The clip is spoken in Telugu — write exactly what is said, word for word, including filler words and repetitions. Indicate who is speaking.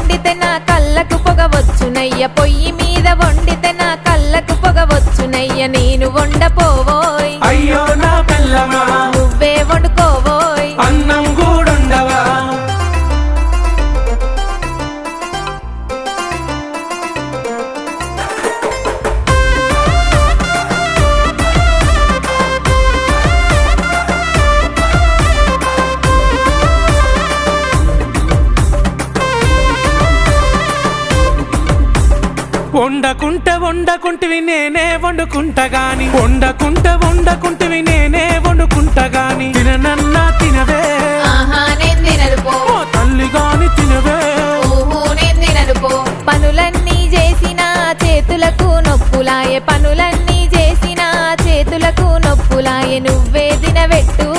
Speaker 1: వండితే నా కళ్ళకు పొగవచ్చునయ్య పొయ్యి మీద వండితే నా కళ్ళకు పొగవచ్చునయ్య నేను వండపోవోయ్
Speaker 2: అయ్యో నా పిల్లమా
Speaker 1: నువ్వే వండుకోవోయ్
Speaker 2: అన్నం కూడుండవా వండకుంట వండకుంటివి నేనే వండుకుంటా గాని వండకుంట వండకుంటివి నేనే వండుకుంటా గాని తిననన్నా తినవే
Speaker 1: ఆహా నేను తినను పో
Speaker 2: ఓ తల్లి గాని తినవే
Speaker 1: ఊహూ నేను తినను పో పనులన్నీ చేసిన చేతులకు నొప్పులాయే పనులన్నీ చేసిన చేతులకు నొప్పులాయే నువ్వే తినబెట్టు